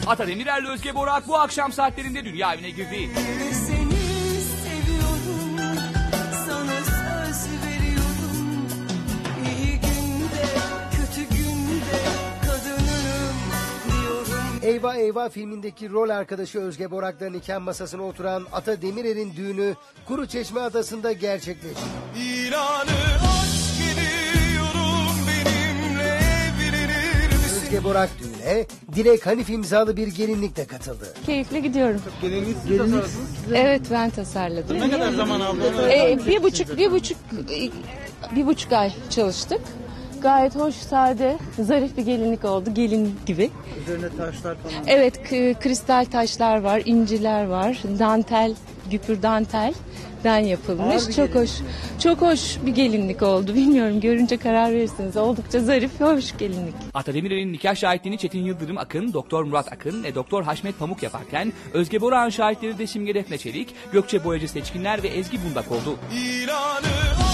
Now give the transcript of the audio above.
Ata Demirer'le Özge Borak bu akşam saatlerinde dünya evine girdi. Seni seviyorum, sana söz veriyorum. İyi günde, kötü günde kadınım diyorum. Eyvah Eyvah filmindeki rol arkadaşı Özge Borak'la nikah masasına oturan Ata Demirer'in düğünü Kuruçeşme Adası'nda gerçekleşti. Özge Borak düğüne Dilek Hanif imzalı bir gelinlikle katıldı. Keyifle gidiyorum. Gelinlik siz tasarladınız. Evet, ben tasarladım. Ne kadar zaman aldı? Bir buçuk ay çalıştık. Gayet hoş, sade, zarif bir gelinlik oldu. Gelin gibi. Üzerine taşlar falan. Evet, kristal taşlar var, inciler var, dantel, güpür dantelden yapılmış. Çok hoş, çok hoş bir gelinlik oldu. Bilmiyorum, görünce karar verirsiniz. Oldukça zarif ve hoş gelinlik. Ata Demirer'in nikah şahitliğini Çetin Yıldırım Akın, Doktor Murat Akın ve Doktor Haşmet Pamuk yaparken Özge Borak'ın şahitleri de Simge Defne Çelik, Gökçe Boyacı Seçkinler ve Ezgi Bundak oldu.